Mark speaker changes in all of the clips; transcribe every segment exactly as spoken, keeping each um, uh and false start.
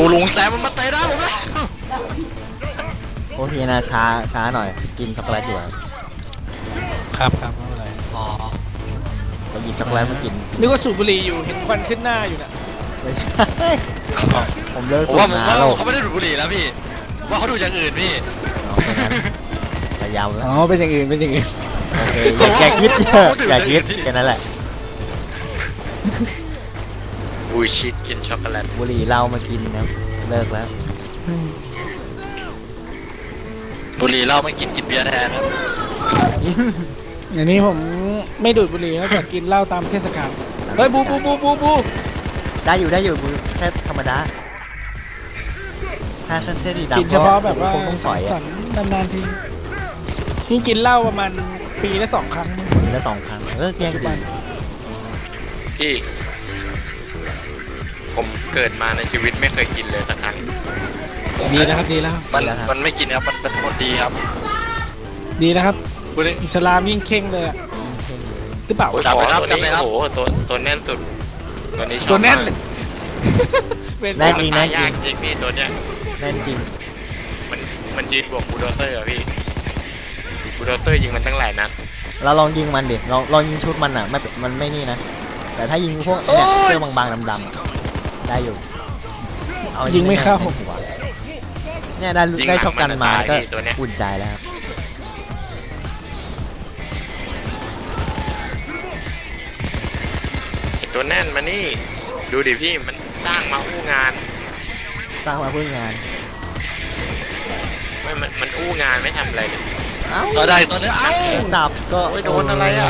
Speaker 1: ลุงแซมมันมาเตะได้ผมเลย
Speaker 2: โอเคนะช้าช้าหน่อยกินช็อกโกแลตอยู่
Speaker 3: ครับครับไม่เป็นไร
Speaker 1: อ๋อ
Speaker 2: ก็หยิบช็อกโกแลตมากิน
Speaker 3: นึกว่าสูบบุหรี่อยู่เห็นควันขึ้นหน้าอยู่น่ะ
Speaker 2: ไม่ใช่ผมเลิกสูบ
Speaker 1: ว่า
Speaker 2: น้ำแล้ว
Speaker 1: เขาไม่ได้ดูดบุหรี่แล้วพี่ว่าเขาดูอย่างอื่นพี่
Speaker 2: พยายามแล้ว
Speaker 3: อ๋อเป็นอย่างอื่นเป็นอย่างอื่น
Speaker 2: โอเคอย่าคิดอย่าคิดแค่นั้นแหละ
Speaker 1: บุยชิดกินช็อกโกแลต
Speaker 2: บุหรี่เหล้ามากินนะเลิกแล้ว
Speaker 1: บุหรี่เหล้าไม่กินกินเบียร์แทนครับ
Speaker 3: อันนี้ผมไม่ดูดบุหรี่นะแต่กินเหล้าตามเทศกาลเฮ้ยบูบูบูบูบู
Speaker 2: ได้อยู่ได้อยู่บูแค่ธรรมดาถ้าเส้นสีดำ
Speaker 3: กินเฉพาะแบบว่าสังสรรค์นานๆทีนี่กินเหล้าประมาณปีละสองครั้ง
Speaker 2: ปีละสองครั้งเออเกลี้ยงดี
Speaker 4: พี่ผมเกิดมาในชีวิตไม่เคยกินเลยสักครั้ง
Speaker 3: ดีแล้วครับดีแล้ว
Speaker 1: มันมันไม่กินครับมันเป็นคนดีครับ
Speaker 3: ดีนะครับอิสลามยิ่งเข่งเลยหรือเปล่า
Speaker 4: จับไปครับจับไปครับโอ้โหตัวตัวแน่นสุดตัวนี้ชอบ
Speaker 3: ตัวแน่นเลย
Speaker 2: แน่นจริงแน่นจริง
Speaker 4: จริงพี่ตัวเนี้ย
Speaker 2: แน่นจริง
Speaker 4: มันมันยืนบวกบูลโดเซอร์อะพี่บูลโดเซอร์ยิงมันตั้งหลายนัด
Speaker 2: เราลองยิงมันดิลองลองยิงชุดมันอ่ะไม่มันไม่นี่นะแต่ถ้ายิงพวกเนี่ยเสื้อบางๆดำๆได้อยู่
Speaker 3: ยิงไม่เข้า
Speaker 2: เนี่ยได้ได้ช็อกกันมาก็อุ่นใจแล้วครับ
Speaker 4: ตัวแน่นมานี่ดูดิพี่มันสร้างมาอู้งาน
Speaker 2: สร้างมาเพื่องาน
Speaker 4: ไม่มันมันอู้งานไม่ทำอะไรเลย
Speaker 1: ก็ได้ตัวนี้เอ้า
Speaker 2: จับก็
Speaker 4: โดนอะไรอ่ะ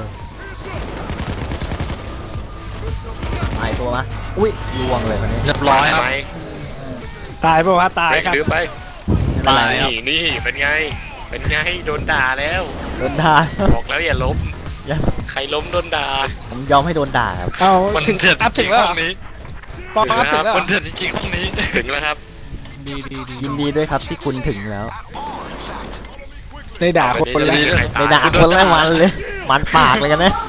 Speaker 2: ตายตัวมะอุ้ยลวงเลยคนนี้
Speaker 1: เรียบร้อยครับ
Speaker 3: ตายป่าวะตายครับ
Speaker 4: หรือไปตายนี่นี่เป็นไงเป็นไงโดนด่าแล้ว
Speaker 2: โดนด่า
Speaker 4: บอกแล้วอย่าล้มใครล้มโดนด่า
Speaker 2: ผมยอมให้โดนด่าครับ
Speaker 3: เอา
Speaker 1: ถึงอัพถึงแล้วห้องนี้
Speaker 3: ปออัพถึงแล้ว
Speaker 1: มันเถื่อนจริงๆห้องนี้
Speaker 4: ถึงแล้วครับ
Speaker 3: ดีดีดี
Speaker 2: ยินดีด้วยครับที่คุณถึงแล้ว
Speaker 3: ได้ด่าคนแรก
Speaker 2: ได้ด่าคนแรกมันเลยมันปากเลยกันนะ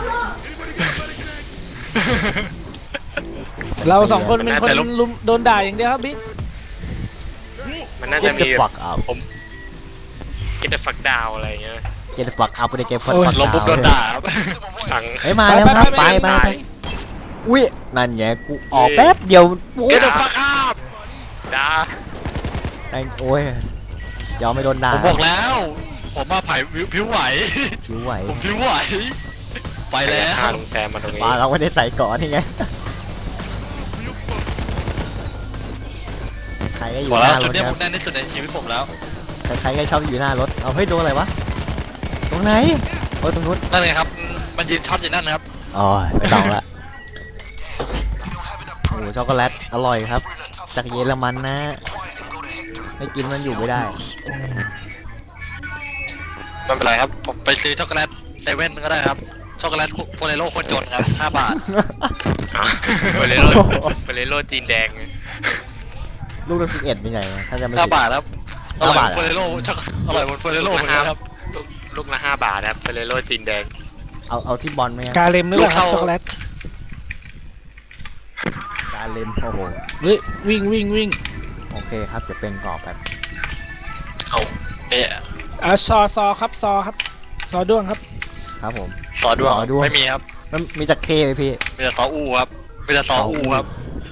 Speaker 3: เราสองคนเป็นคนลุมโดนด่าอย่างเดียวครับบิ๊ก
Speaker 4: มันน่าจะมีผมกินแต่ฝักดาวอะไรเงี้ย
Speaker 2: กินแต่ฝักเอาไปในเกมพอด
Speaker 1: ลบปุ๊บโดนด่า
Speaker 4: สั่ง
Speaker 2: เฮ้ยมาแล้วครับไปไปไปอุ้ยนั่นไงกูออกแป๊บเดียว
Speaker 1: กินแต่ฝักอัพ
Speaker 4: ด่า
Speaker 2: ไอ้โอ้ยยอมไม่โดนด่า
Speaker 1: ผมบอกแล้วผมมาไผ่ผิวไหว
Speaker 2: ผิวไหว
Speaker 1: ผมผิวไหวไปแล้ว
Speaker 4: ลุงแซมมาตรงนี้
Speaker 2: มาเราไม่ได้ใส่ก่อนนี่ไงใครก็อยู่หน้ารถ
Speaker 1: จุดนี้ผมแน่นที่สุดในชีวิตผมแล้ว
Speaker 2: ใครๆก็ชอบอยู่หน้ารถเอาเฮ้ยโดนอะไรวะตรงไหนโอ้ยตรงนู้น
Speaker 1: นั่นไงครับมันยืนช็อตอยู่นั่นนะครับ
Speaker 2: อ๋อไม่ต้องละโอ้ช็อกโกแลตอร่อยครับจากเยอรมันนะไม่กินมันอยู่ไม่ได้
Speaker 1: ไม่เป็นไรครับผมไปซื้อช็อกโกแลตเซเว่นก็ได้ครับช็อกโกแลตโฟเรโลคนจนครับห้าบาท
Speaker 4: โฟเรโลโฟเรโลจีนแดง
Speaker 2: ลูกละสิบเอ็ดเป็นไงถ้าจะไม่
Speaker 1: ห้าบาทครับอร่อยโฟเรโลช็อกอร่อยบนโฟเรโลเหมือนกันครับ
Speaker 4: ลูกละห้าบาทครับโฟเรโลจีนแดง
Speaker 2: เอาเอาที่บอลไหม
Speaker 3: กาเลมหรือเปล่าช็อกโกแลต
Speaker 2: กาเลมโอ้โห
Speaker 3: เฮ้ยวิ่งวิ่งวิ่ง
Speaker 2: โอเคครับจะเป็นกรอบแบบ
Speaker 1: เอาเอ๊ะ
Speaker 3: อ่ะซอซอครับซอครับซอด้วงครับ
Speaker 2: ครับผม
Speaker 1: ซอด้วงไม่มีครับ
Speaker 2: มันมีจักเคไหมพี่
Speaker 1: มีแต่ซออูครับมีแต่ซออูครับ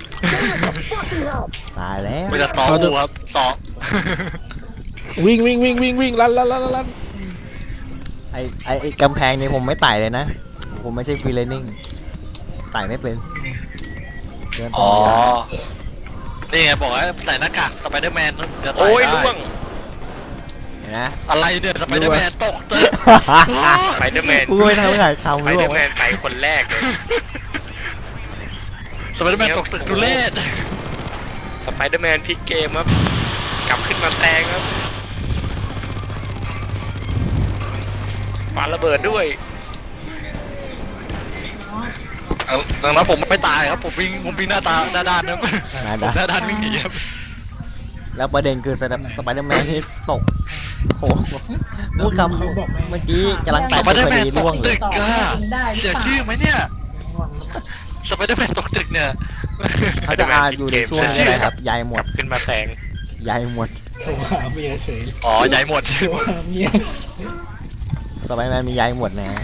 Speaker 2: ตายแล้ว
Speaker 1: มีแต่ซออูครับซอ
Speaker 3: วิ่งวิ่งวิ่งวิ่งวิ่งลันลันลันลัน
Speaker 2: ไอไอไอกำแพงนี่ผมไม่ไต่เลยนะผมไม่ใช่ฟรีเลนนิ่งไต่ไม่เป็น
Speaker 1: อ๋อนี่ไงบอกว่าใส่หน้ากากสไปเดอร์แมนจะ
Speaker 4: ตายได้โอ้ยล่วง
Speaker 2: นะ
Speaker 1: อะไรเนี่ยสไปเดอร์แมนตกเตะ
Speaker 4: สไปเดอร์แมน
Speaker 2: กูไม่ทำอะไรทำ
Speaker 4: สไปเดอร์แมนไปคนแรกเลย
Speaker 1: สไปเดอร์แมนตกตึกดูเล่น
Speaker 4: สไปเดอร์แมนพลิกเกมครับกลับขึ้นมาแซงครับปาระเบิดด้วย
Speaker 1: ดังนั้นผมไม่ตายครับผมวิ่งผมวิ่งหน้าตาหน้าด้านนะหน้าด้านวิ่งหนีครับ
Speaker 2: แล้วประเด็นคือสไปเดอร์แมนที่ตกโอ้โหพูดคำเมื่อกี้กำลังไต่
Speaker 1: สไปเดอร์แมนตกตึกอะเสียชื่อไหมเนี่ยสสไปเดอร์แมนตกตึกเนี่ย
Speaker 2: เขาจะอาอยู่ในช่วงนี้อะไรครับยายหมด
Speaker 4: ขึ้นมาแสง
Speaker 2: ยายหมด
Speaker 3: ผมหาเมียเฉย
Speaker 1: อ๋อใหญ่หมด
Speaker 3: ผมหาเมีย
Speaker 2: สไปเดอร์แมนมียายหมดนะฮะ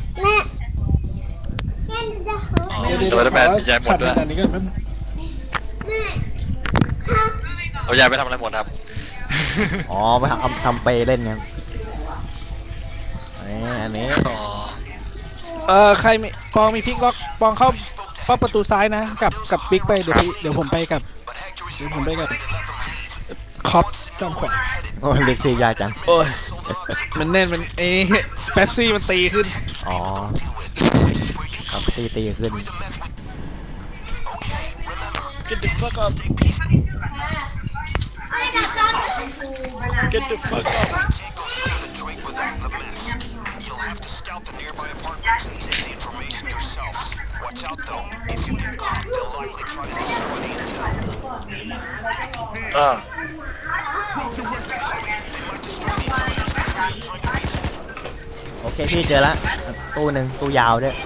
Speaker 1: อ๋อสไปเดอร์แมนมีใหญ่หมดด้วย
Speaker 3: ขัอันนี้ก็แป๊บ
Speaker 1: เอาใหญ่ไปทำอะไรหมดครับ
Speaker 2: อ๋อไปทำทำเปเล่นครับนี่อันนี้
Speaker 1: อ๋อ
Speaker 3: เออใครมีปองมีพลิกล็อกปองเข้าเข้าประตูซ้ายนะกับกับบิ๊กไปเดี๋ยวพี่เดี๋ยวผมไปกับเดี๋ยวผมไปกับคอปจอมขวัญ
Speaker 2: โอ้เรียกชื่อยากจัง
Speaker 3: โอ้ยมันแน่นมันเอ้แป๊บซี่มันตีขึ้น
Speaker 2: อ๋อครับตีตีขึ้น
Speaker 3: Get the fuck up Get the fuck up
Speaker 1: อ่า
Speaker 2: โอเคพี่เจอละตู้หนึ่งตู้ยาวด้วย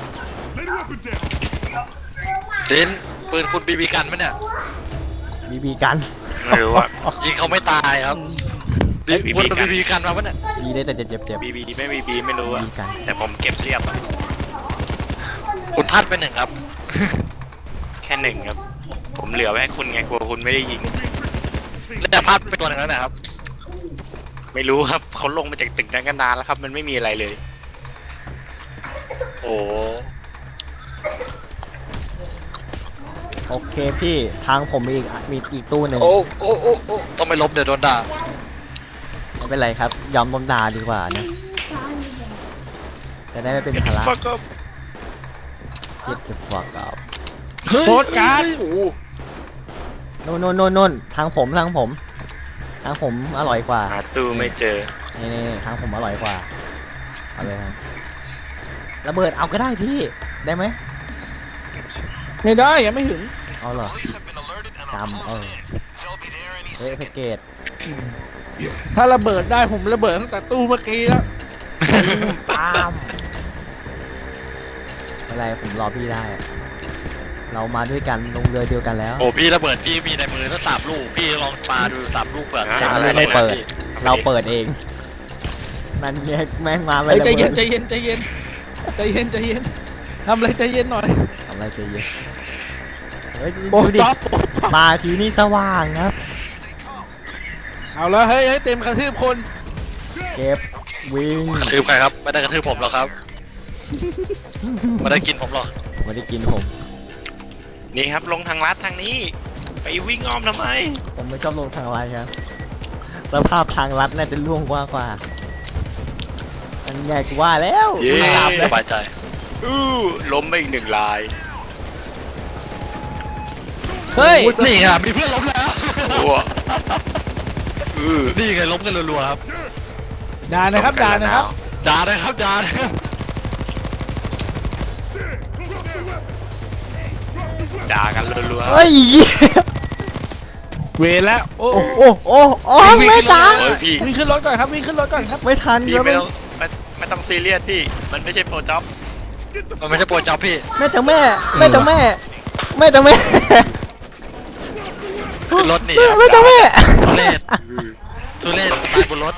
Speaker 1: จินปืนคุณบีบีกันไหมเนี่ย
Speaker 2: บีบีกัน
Speaker 4: ไม่รู้อะ
Speaker 1: ยิงเขาไม่ตายครับบีคุณบีบีกันมาปะเนี่ย
Speaker 2: บีได้แต่เจ็บเจ็บเจ็บ
Speaker 4: บีบีไม่บีบีไม่รู้
Speaker 2: บี
Speaker 4: อะ
Speaker 2: บีกัน
Speaker 4: แต่ผมเก็บเรียบอะ
Speaker 1: คุณพลาดไปหนึ่งครับ
Speaker 4: แค่หนึ่งครับ ผมเหลือไว้ให้คุณไงกลัวคุณไม่ได้ยิง
Speaker 1: แล้วแต่พลาดไปตัวหนึ่งแล้วนะครับ
Speaker 4: ไม่รู้ครับเขาลงมาจากตึกนั้นกันนานแล้วครับ มันไม่มีอะไรเลย
Speaker 1: โอ้
Speaker 2: โอเคพี่ทางผมมีอีกมีอีกตู้หนึ่ง
Speaker 1: โอ้โอ้โอ้โอ้ต้องไม่ลบเดี๋ยวโดนด่า
Speaker 2: ไม่เป็นไรครับยอมลมดาดีกว่านะจะได้ไม่เป็นภาระ
Speaker 3: fuck up
Speaker 2: คิดจะฟักอัพ
Speaker 3: โคตรการ์ด
Speaker 2: โน่นโน่นโน่นโน่นทางผมทางผม ทางผมอร่อยกว่า
Speaker 4: หาตู้ไม่เจอ
Speaker 2: นี่นี่ทางผมอร่อยกว่าเอาเลยครับระเบิดเอาก็ได้พี่ได้ไหม
Speaker 3: ไม่ได้ยังไม่ถึง
Speaker 2: เอาเหรอจำเออเฮ้ยแพ็กเกจ
Speaker 3: ถ้าระเบิดได้ผมระเบิดตั้งแต่ตู้เมื่อกี้แล้ว
Speaker 2: ปามไม่เป็นไรผมรอพี่ได้อะเรามาด้วยกันลงเรือเดียวกันแล้ว
Speaker 1: โอ้พี่ระเบิดพี่มีในมือตั้งสามลูกพี่ลองปาดูสามลูกเปิด
Speaker 4: อ่า
Speaker 2: จานไม่เปิด เราเปิดเองนั่นไงแม่งมาไม่
Speaker 3: เฮ้ย
Speaker 2: ระ
Speaker 3: ใจเย็
Speaker 2: เบิ
Speaker 3: น
Speaker 2: ด
Speaker 3: ใจเย็นใจเย็นใจเย็นใจเย็นทำอะไรใจเย็นหน่อย
Speaker 2: ทำอะไรใจเย็นเฮ้ย
Speaker 3: โอ้
Speaker 2: ดูดิ
Speaker 3: จ๊อบ
Speaker 2: มาทีนี่สว่างครับ
Speaker 3: เอาแล้วเฮ้ยเฮ้ยเต็มกระทืบคน
Speaker 2: เก็บวิ่ง
Speaker 1: กระทืบใครครับไม่ได้กระทืบผมหรอกครับไม่ได้กินผมหรอก
Speaker 2: ไม่ได้กินผม
Speaker 4: นี่ครับลงทางลัดทางนี้ ไปวิ่งอ้อมทำไม
Speaker 2: ผมไม่ชอบลงทางไรครับสภาพทางลัดน่าจะล่วงกว่ากว่าอันใหญ่กว่าแล้ว
Speaker 4: เย้
Speaker 2: ไม่หลับ
Speaker 1: ส
Speaker 2: เลย
Speaker 1: บายใจ
Speaker 4: อู้ล้มไปอีกหนึ่งลาย
Speaker 3: เฮ้ย
Speaker 1: นี่ไงมีเพื่อนล้มแล้ว
Speaker 4: โอ้อือ
Speaker 1: นี่ไงล้มกันรัวๆครับ
Speaker 3: ด่านะครับด่านะครับ
Speaker 1: ด่าเลยครับด่าเลยครับ
Speaker 4: ด่ากันรัวๆ
Speaker 2: เฮ้ย
Speaker 3: เวรแล้วโอ้
Speaker 2: โอ้โอ้โอ้โอ้แม่จ๋า
Speaker 4: โอ้ยพี่
Speaker 3: วิ่งขึ้นรถก่อนครับวิ่งขึ้นรถก่อนครับ
Speaker 2: ไม่ทัน
Speaker 4: พี่
Speaker 2: แล้ว
Speaker 4: ไม่ต้องไม่ไม่ต้องซีเรียสพี่ มันไม่ใช่โปรจ็อบ
Speaker 1: มันไม่ใช่โปรจ็อบพี่
Speaker 2: แม่จ๋าแม่แม่จ๋าแม่แม่จ๋าแม่
Speaker 1: ขึ้นรถหนีครับ
Speaker 2: แม่จ๋าแม่
Speaker 1: ทุเรศทุเรศตายบนรถ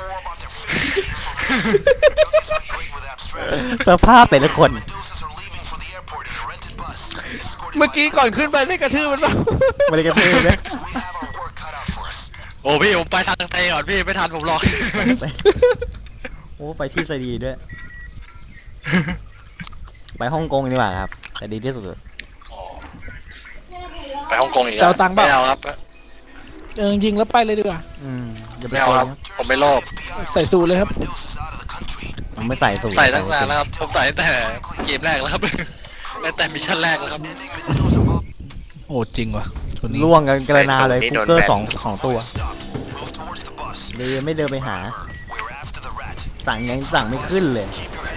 Speaker 2: สภาพแต่ละคน
Speaker 3: เมื่อกี้ก่อนขึ้นไปได้กระทืบมันเปล่า
Speaker 2: ไม่ได้กระเทือนนะ
Speaker 1: โอ้พี่ผมไปทางเตะก่อนพี่ไม่ทันผมหรอก
Speaker 2: โอ้ไปที่สดีด้วย ไปฮ่องกงดีกว่าครับแต่ดีที่สุด
Speaker 1: ไปฮ่องกงอีกแล้ว
Speaker 3: จะเอาตังค์เปล่า
Speaker 1: ไม่เอาครับ
Speaker 3: เออยิงแล้วไปเลยดีกว่า
Speaker 2: อืมอย่าไป
Speaker 1: ไม่เอา
Speaker 2: โก
Speaker 1: ครั
Speaker 2: ง
Speaker 1: บผมไม่โลภ
Speaker 3: ใส่สูทเลยครับ
Speaker 2: ผมไม่ใส่สูท
Speaker 1: ใส่ตั้งนานแล้วครับผมใส่ตั้งแต่เกมแรกแล้วครับ ตั้งแต่มิชชั่นแรกแล้วครับ
Speaker 3: โอ้จริงว่ะคนนี้
Speaker 2: ล่วงกันกระนาเลยคุกเกอร์สองสองตัวเลยไม่เดินไปหา สั่งยังสั่งไม่ขึ้นเลย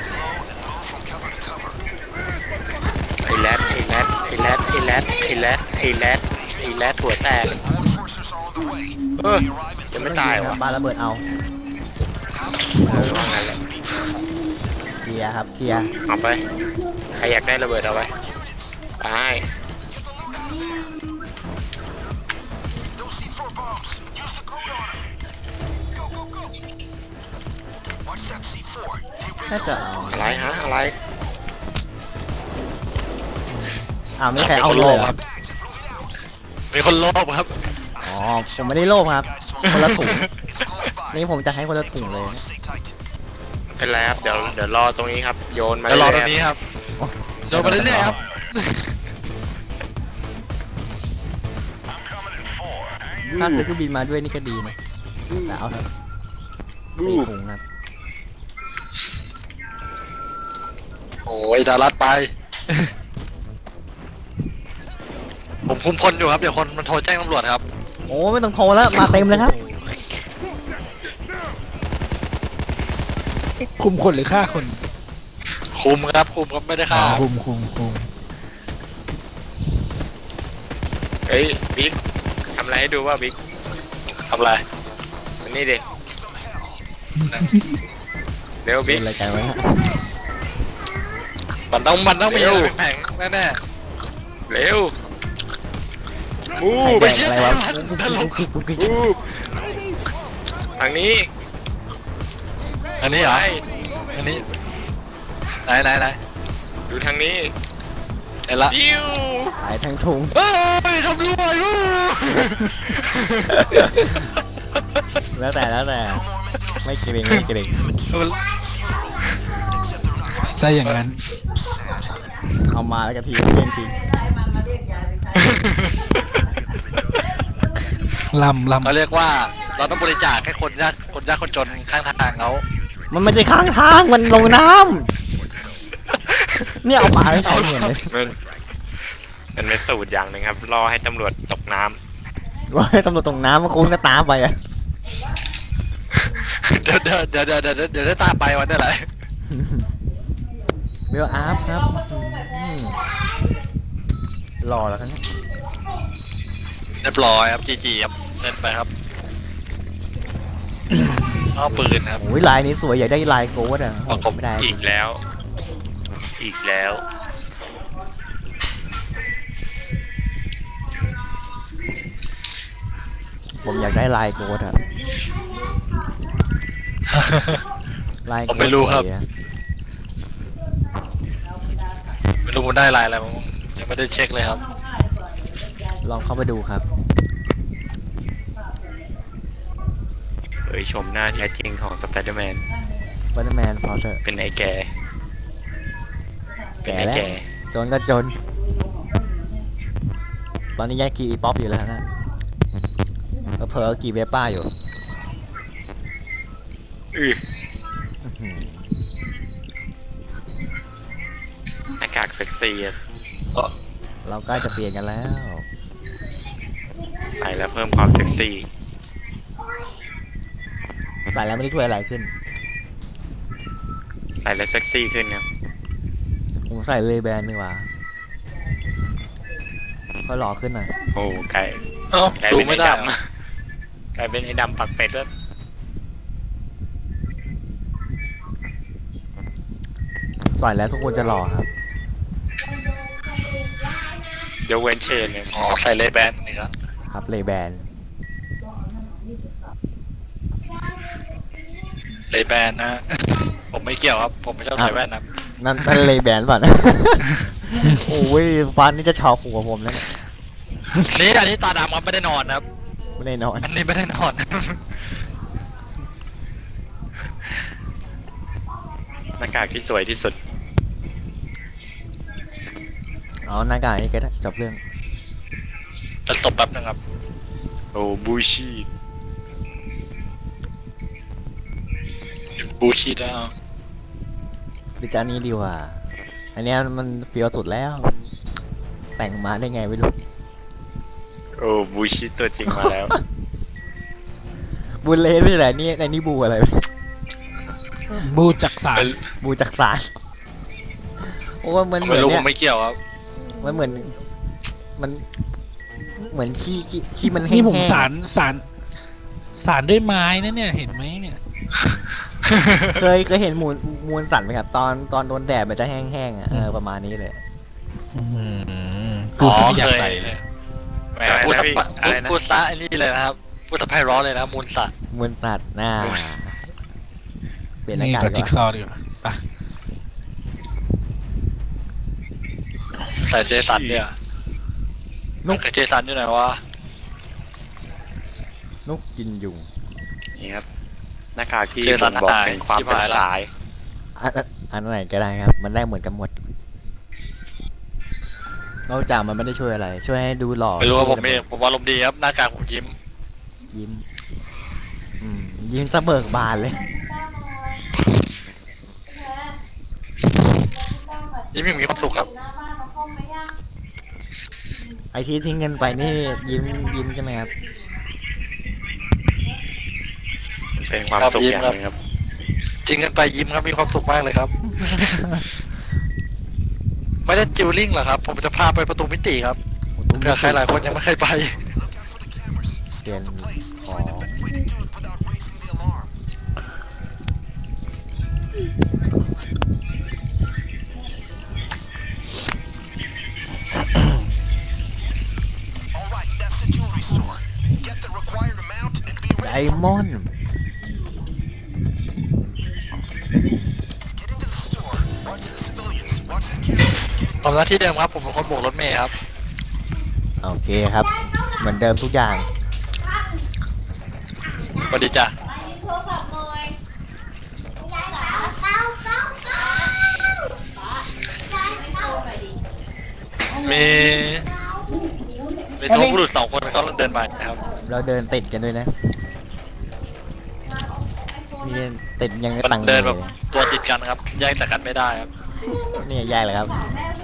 Speaker 4: ไอ้แรดไอ้แรดไอ้แรดไอ้แรดไอ้แรดไอ้แรดไอ้แรดหัวแตกเออยังไม่ตายวะ
Speaker 2: ปาระเบิดเอา
Speaker 4: เออว่างั้นแหละ
Speaker 2: เคลียร์ครับเคลียร์
Speaker 4: เอาไป ใครอยากได้ระเบิดเอาไปไป
Speaker 2: น่าจะเอา
Speaker 4: อะไรฮะอะไร
Speaker 2: อ้าวไม่มีใครเอา
Speaker 1: คน
Speaker 2: เล
Speaker 1: โล
Speaker 2: ย
Speaker 1: ภ
Speaker 2: เหรอ
Speaker 1: ครับมีคนโลภครับ
Speaker 2: อ๋อผมไม่ได้โลภครับ คนละถุงนี่ผมจะให้คนละถุงเลย
Speaker 4: เป็นไรครับเดี๋ยวเดี๋ยวรอตรงนี้ครับโยนมา
Speaker 1: เดี๋ยวรอต
Speaker 4: เล
Speaker 1: รง
Speaker 4: ย
Speaker 1: นี้ครับโยนมาเรื่อยๆครับ
Speaker 2: ถ้าซื้อเครื่องบินมาด้วยนี่ก็ดีนะแต่เอาเถอะสี่ถุงครับ
Speaker 1: โอ้ยดารัดไป ผมคุมคนอยู่ครับเดี๋ยวคนมันโทรแจ้งตำรวจครับ
Speaker 2: โอ้ไม่ต้องโทรแล้วมาเต็มเลยครับ
Speaker 3: คุมคนหรือฆ่าคน
Speaker 1: คุมครับคุมครับไม่ได้ฆ่า
Speaker 3: คุมคุมคุม
Speaker 4: เฮ้ยบิ๊กทำอะไรให้ดูว่าบิ๊ก
Speaker 1: ทำอะไร
Speaker 4: อันนี้ดิเร็ว
Speaker 2: เป็
Speaker 4: บิ๊
Speaker 2: น
Speaker 4: ก
Speaker 2: อะไรกันไว้ฮะ
Speaker 1: มันต้องมันต้องมี
Speaker 4: เร็
Speaker 1: อะ
Speaker 4: ว
Speaker 1: ไรแผงๆแน่
Speaker 4: เร็วมู
Speaker 2: ใคร
Speaker 4: ฟ
Speaker 2: แดกอะไรวะ
Speaker 4: มูฟทางนี้
Speaker 1: ๆอันนี้เหรอ
Speaker 4: ไป
Speaker 1: อันนี้ไหนไหนไหน
Speaker 4: ดูทางนี้
Speaker 1: เห็นละ
Speaker 4: ดิว
Speaker 2: ขายทั้งถุง
Speaker 1: เฮ้ยทำรวยวู้
Speaker 2: แล้วแต่แล้วแต่ไม่เกรงไม่เกรง
Speaker 3: ใช่อย่างนั้น
Speaker 2: เอามาแล้วก็ทีเล่นที
Speaker 3: ลำลำ
Speaker 1: เราเรียกว่าเราต้องบริจาคให้คนยากคนยากคนจนข้างทางเขา
Speaker 2: มันไม่ใช่ข้างทางมันลงน้ำเนี่ยเอามาให้ใช้เหมือนเลย
Speaker 4: มันมันเป็นสูตรอย่างหนึ่งครับรอให้ตำรวจตกน้
Speaker 2: ว่าให้ตำรวจตรงน้ำมันคงจะตามไปอะ
Speaker 1: เดี๋ยวเดี๋ยวเดี๋ยวเดี๋ยวเดี๋ยวเดี๋ยวได้ตามไปวันได้ไร
Speaker 2: เบลอาร์ฟครับอืมรอแล้วกันเนี่ย
Speaker 1: เรียบร้อยครับจีจีครับเล่นไปครับเอาปืนครับ
Speaker 2: โอ้ยลายนี้สวยอยากได้ลายโกดอ่ะ
Speaker 1: ประกบ
Speaker 2: ไม่ได้
Speaker 4: ำอีกแล้ว อีกแล้ว
Speaker 2: ผมอยากได้ลายโกดอ่ะลายโก
Speaker 1: ผม
Speaker 2: ด
Speaker 1: ไม่รู้ครับ
Speaker 2: สวยอะ
Speaker 1: ไม่รู้มันได้ลายอะไรมั้งยังไม่ได้เช็คเลยครับ
Speaker 2: ลองเข้าไปดูครับ
Speaker 4: เผยชมหน้าแท้จริงของสไปเดอร์แมน
Speaker 2: สไปเดอร์แมนพอเถอะ
Speaker 4: เป็นไอ้แก่ เป็น
Speaker 2: แก่
Speaker 4: ไอ้
Speaker 2: แล้ว
Speaker 4: แก่
Speaker 2: จนก็จน ตอนนี้แยกกีอีป๊อปอยู่แล้วนะเผลอๆกีเวป้าอยู่
Speaker 4: อือ
Speaker 2: อื้อหือ
Speaker 4: หน้ากากเซ็กซี่อะ
Speaker 2: เราใกล้จะเปลี่ยนกันแล้ว
Speaker 4: ใส่แล้วเพิ่มความเซ็กซี่
Speaker 2: ใส่แล้วไม่ได้ช่วยอะไรขึ้น
Speaker 4: ใส่แล้วเซ็กซี่ขึ้นครับ
Speaker 2: ผมใส่เลยแบนดีกว่าค่อยหล่อขึ้นหน่อย
Speaker 4: โอ้ไก่
Speaker 1: เอ้า
Speaker 4: ไก่
Speaker 1: ดู
Speaker 4: เป็น
Speaker 1: ไม่
Speaker 4: ไอ้
Speaker 1: ได้
Speaker 4: ดำกลายเป็นไอ้ดำปักเป็ดแล้ว
Speaker 2: ใส่แล้วทุกคนจะหล่อครับ
Speaker 4: เดี๋ยวเวนเชนเนี่ย
Speaker 1: อ๋อใส่เลแบนนี่ครับ
Speaker 2: ครับเลยแบน
Speaker 1: เลแบนนะ ผมไม่เกี่ยวครับ ผมไม่ชอบใส่แว่นนะ
Speaker 2: นั่นนั่นเลยแบนป่ะนะ โอ้ยฟันนี่จะชอบหัวผมแล้วเนี่ย
Speaker 1: นี่อันนี้ตาดำครับไม่ได้นอนนะครับ
Speaker 2: ไม่ได้นอน
Speaker 1: อันนี้ไม่ได้นอน
Speaker 4: หน้ากากที่สวยที่สุด
Speaker 2: เอาหน้ากากนี่ก็ได้จบเรื่อง
Speaker 1: จะศพแป๊บนึงครับ
Speaker 4: โอ้บูชี
Speaker 1: บูชีแล้ว
Speaker 2: ดิจานี้ดีกว่า อันเนี้ยมันเฟี้ยวสุดแล้ว แต่งมาได้ไงไม่รู้
Speaker 4: โอ้บูชีตัวจริงมาแล้ว
Speaker 2: บูเลนไม่ใช่เหรอนี่ในนี่บูอะไรวะ
Speaker 3: บูจักสาร
Speaker 1: เป็น
Speaker 2: บูจักรสารโอ้มันเหมื
Speaker 1: ไม่
Speaker 2: อน
Speaker 1: รู้ผ
Speaker 2: เนี่ย
Speaker 1: มไม่เกี่ยวครับ
Speaker 2: มันเหมือน มัน เหมือนขี้ขี้ขี้มันแห้งๆ
Speaker 3: นี่ผมสารสารสารด้วยไม้นะเนี่ยเห็นไหมเนี่ย
Speaker 2: เคยเคยเห็นมูลมูลสัตว์ไหมครับ ตอนตอนโดนแดดมันจะแห้งๆอ่ะเออประมาณนี้เลย
Speaker 3: อื้อหือกูซะไม่อยาก
Speaker 1: เค
Speaker 3: ใส่
Speaker 1: แหมพูดสะพูดซะไอ้นี่เลยนะครับพูดสะไพเราะเลยนะมูลสัตว์
Speaker 2: มวนสัตว์หน้าเปลี่ยนหน้า
Speaker 3: นี่
Speaker 2: กาก
Speaker 3: ตัว
Speaker 2: ดี
Speaker 3: จิ๊ก
Speaker 2: ก
Speaker 3: ซ
Speaker 2: ว่า
Speaker 3: อว์ดีกว่าไป
Speaker 1: ใส่เจสันเนี่ย
Speaker 2: น
Speaker 1: มัน
Speaker 2: ก
Speaker 1: คือเจสันอยู่ไหนวะ
Speaker 2: นกกินยุง
Speaker 4: นี่ครับหน้ากากที่
Speaker 1: เจสั
Speaker 4: บ่
Speaker 1: น
Speaker 4: งบอก
Speaker 1: หาย
Speaker 4: ถึงความ
Speaker 1: ชิบ
Speaker 4: เป็น
Speaker 1: หายละ
Speaker 4: สาย
Speaker 2: อันอันอันไหนก็ได้ครับ มันได้เหมือนกันหมดนอกจากมันไม่ได้ช่วยอะไร ช่วยให้ดูหล่อ
Speaker 1: ไม่รู้ว่าผมเองผมอารมณ์ดีครับหน้ากากผมยิ้ม
Speaker 2: ยิ้มอืมยิ้มสะเบิกบานเลย
Speaker 1: ยิ้มอย่างมีความสุขครับ
Speaker 2: ไอที่ทิ้งเงินไปนี่ยิ้มยิ้มใช่ไหมครับ
Speaker 4: เป็นความ
Speaker 1: ครับ
Speaker 4: สุข
Speaker 1: ยิ้ม
Speaker 4: อย่าง
Speaker 1: ครับ
Speaker 4: หนึงครับ
Speaker 1: จริงกันไปยิ้มครับมีความสุขมากเลยครับ ไม่ได้จิวลิ่งหรอครับ ผมจะพาไปประตูมิติครับเผื่อใครหลายคนยังไม่เคยไป
Speaker 2: เปลี่ยนของ ไดมอนด์
Speaker 1: ทำหน้าที่เดิมครับผมเป็นคนโบกรถเมย์ครับ
Speaker 2: โอเคครับ เหมือนเดิมทุกอย่าง
Speaker 1: สวัสดีจ้ะมีมีสองบุรุษสองคนเขาเดินมานะครับ
Speaker 2: เราเดินติดกันด้วยนะมีติดยัง
Speaker 1: มั
Speaker 2: ตัง
Speaker 1: น
Speaker 2: ค์
Speaker 1: เดินแบบ
Speaker 2: เลย
Speaker 1: ตัวติดกันครับแยกจากกันไม่ได้ครับ
Speaker 2: นี่แย่เลยครับ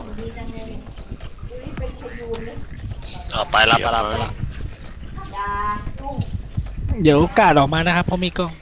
Speaker 1: อ๋อไปละไปละไปละ
Speaker 3: เดี๋ยวกาดออกมานะครับเพราะมีกล้อง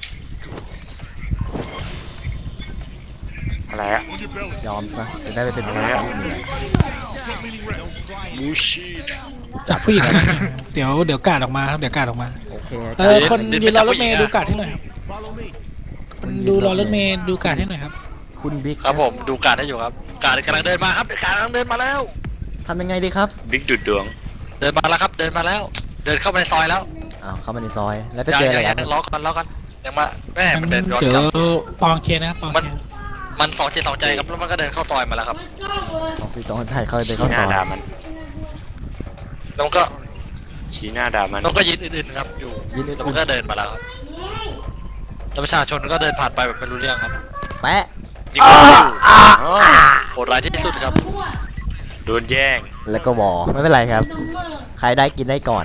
Speaker 4: อะไรอะ
Speaker 2: ยอมซะจะได้ไปเป็นพนักงานเหนื่อย
Speaker 1: มูชี
Speaker 3: จับผู้หญิงนะเดี๋ยวเดี๋ยวกาดออกมาครับเดี๋ยวกาดออกมา
Speaker 2: โอเค
Speaker 3: เออคนยืนรอรถเมย์ดูกาดให้หน่อยครับคนดูรอรถเมย์ดูกาดให้หน่อยครับ
Speaker 2: คุณบิ๊ก
Speaker 1: ครับผมดูการให้อยู่ครับ การกำลังเดินมาครับการกำลังเดินมาแล้ว
Speaker 2: ทำยังไงดีครับ
Speaker 4: บิ๊กดุดดวง
Speaker 1: เดินมาแล้วครับ เดินมาแล้ว เดินเข้ามาในซอยแล้ว
Speaker 2: อ้าวเข้ามาในซอย แล้วจะ
Speaker 1: ยัง
Speaker 2: เจออะไร
Speaker 1: ยัง
Speaker 2: ค
Speaker 1: ยั
Speaker 2: รับ
Speaker 1: งล้อกันล้อกันยังมาแม่มันเดินย้อน
Speaker 3: เดี๋ยว
Speaker 1: กลับ
Speaker 3: ปองเคลียร์นะครับปองเคลียร์
Speaker 1: มันสองใจสองใจครับแล้วมันก็เดินเข้าซอยมาแล้วครับ
Speaker 2: ของสีตองไทยเขาเดิน
Speaker 4: ชี้
Speaker 2: เข้า
Speaker 4: ห
Speaker 2: ซ
Speaker 4: น้า
Speaker 2: อย
Speaker 4: ด่ามัน
Speaker 1: แล้วมันก็
Speaker 4: ชี้หน้าด่ามัน
Speaker 1: แล้วก็ยืนอื่นๆครับอยู่
Speaker 2: ยินดี
Speaker 1: แล้วมันก็เดินมาแล้วครับแล้วประชาชนก็เดินผ่านไปแบบไม่รู้เรื่องครับ
Speaker 2: แปะ
Speaker 1: จริงๆอยู่
Speaker 4: อ๋อ
Speaker 1: โหดร้ายที่สุดครับ
Speaker 4: โดนแย่ง
Speaker 2: แล้วก็วอไม่เป็นไรครับ ใครได้กินได้ก่อน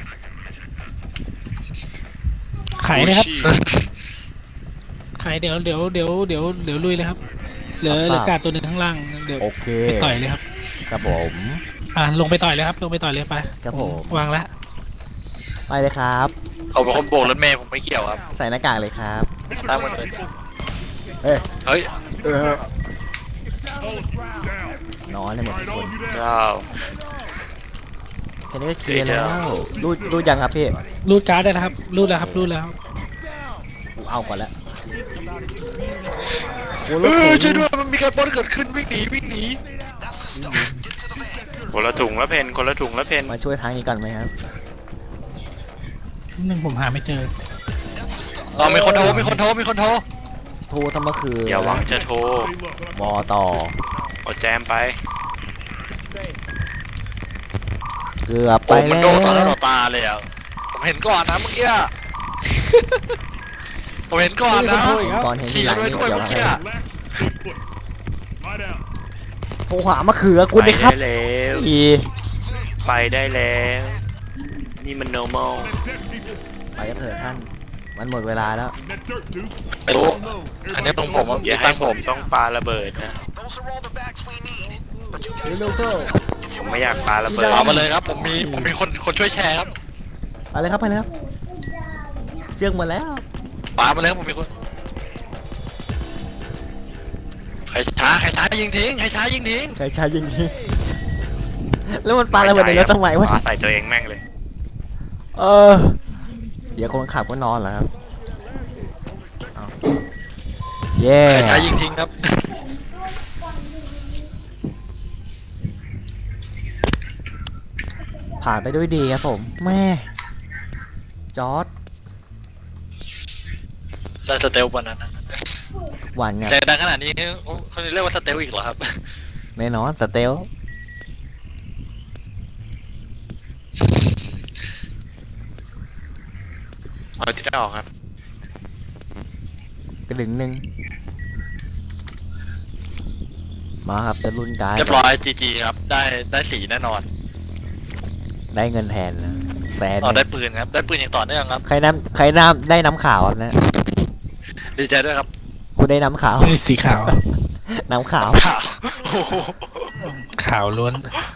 Speaker 3: ขายนะครับขายเดี๋ยวเดี๋ยวเดี๋ยวเดี๋ยวเดี๋ยวลุยเลยครับเหลือเหลือกาดตัวหนึ่งข้างล่างเดี๋ยว
Speaker 2: โอเค
Speaker 3: ไปต่อยเลยครับ
Speaker 2: ครับผม
Speaker 3: อ่าลงไปต่อยเลยครับลงไปต่อยเลยไป
Speaker 2: ครับผม
Speaker 3: วางแล้ว
Speaker 2: ไปเลยครับ
Speaker 1: เอาเป็นคนโบกรถเมย์ผมไม่เกี่ยวครับ
Speaker 2: ใส่หน้ากากเลยครับ
Speaker 1: ตามมันเลย
Speaker 2: เอ้ย
Speaker 1: เฮ้ย
Speaker 2: เออนอนเลยหมดทุกคน
Speaker 4: เจ้า
Speaker 2: แค่นี้ก็เคลียร์แล้วรูดรูดยังครับพี่
Speaker 3: รูดการ์ดได้แล้วครับรูดแล้วครับรูดแล้ว
Speaker 2: กูเอาก่อนแล้วโอ้
Speaker 1: เอ
Speaker 2: รถ
Speaker 1: อ
Speaker 2: เก๋ง
Speaker 1: ช่วยด้วยมันมีการปล้นเกิดขึ้นวิ่งหนีวิ่งหนี
Speaker 4: คนละถุงละเพนคนละถุงละเพน
Speaker 2: มาช่วยทางนี้ก่อนไหมครับ
Speaker 3: หนึ่งผมหาไม่เจอ
Speaker 1: อ๋อมีคนโทรมีคนโทรมีคนโทร
Speaker 2: โทรทำเมื่อคืน
Speaker 4: อย่าหวังจะโทร
Speaker 2: วอต่อ
Speaker 4: เอาแจมไป
Speaker 2: เกือบไป
Speaker 1: โอ้มัน
Speaker 2: แล้
Speaker 1: โดนต่อหน้าต่
Speaker 2: ว
Speaker 1: อตาเลยอ่ะผมเห็นก่อนนะเมื่อกี้อะผมเห็นก่อนนะ
Speaker 3: โอ้ย
Speaker 2: ก่อนเห็นที
Speaker 1: ขี่
Speaker 2: หลัง
Speaker 1: ด้วย
Speaker 2: นี่
Speaker 1: ด้วย
Speaker 2: เดี๋ยว
Speaker 1: เมื่อ
Speaker 2: อะไร
Speaker 1: กี้อะ
Speaker 2: โทรหามะเขือกู
Speaker 4: ไป
Speaker 2: ดิครับ
Speaker 4: ได้แล้ว
Speaker 2: อี
Speaker 4: ไปได้แล้ว นี่มัน normal
Speaker 2: ไปกันเถอะท่าน มันหมดเวลาแล้ว
Speaker 1: ไม่รู้อันนี้ตรงผมอะ
Speaker 4: อย่าให้
Speaker 1: ตั้ง
Speaker 4: ผ
Speaker 1: ผม ม
Speaker 4: ต้องปาระเบิดนะ
Speaker 2: เร็วๆเข้า
Speaker 4: ผมไม่อยากปาระเบิด
Speaker 1: เอามาเลยครับผมมีผมมีคนคนช่วยแชร์ครับ
Speaker 2: ไปเลยครับไปเลยครับเชือกหมดแล้ว
Speaker 1: ปามาเลยครับผมมีคนใครช้าใครช้ายิงทิ้งใครช้ายิงทิ้ง
Speaker 2: ใครใช้ยิงยิงแล้วมันปาระเบิดในรถทำไมวะ
Speaker 4: ปาใส่ตัวเองแม่งเลย
Speaker 2: เออ เดี๋ยวคนขับก็นอนเหรอครับเอาเย้
Speaker 1: ใครช้ายิงทิ้งครับ
Speaker 2: ผ่านไปด้วยดีครับผมแม่จอร์ด
Speaker 1: ได้สเตลวันนั้นนะ
Speaker 2: หวานไง
Speaker 1: เสียงดังขนาดนี้เขาเรียกว่าสเตลอีกเหรอครับ
Speaker 2: แน่นอนสเตล
Speaker 4: เอาที่ได้ออกครับ
Speaker 2: กระดึงหนึ่งมาครับจะรุ่นการ์ด
Speaker 1: เรียบร้อยจีจีครับได้ได้สีแน่นอน
Speaker 2: ได้เงินแทนนะแสน
Speaker 1: อ๋อได้ปืนครับได้ปืนอย่างต่อเนื่องครับ
Speaker 2: ใครน้ำใครน้ำได้น้ำขาวนะ
Speaker 1: ดีใจด้วยครับ
Speaker 2: คุณได้น้ำขาว
Speaker 3: เฮ้ยสีขาว
Speaker 2: น้ำขาว
Speaker 1: ข่าวโอ้โห
Speaker 3: ขาวล้วน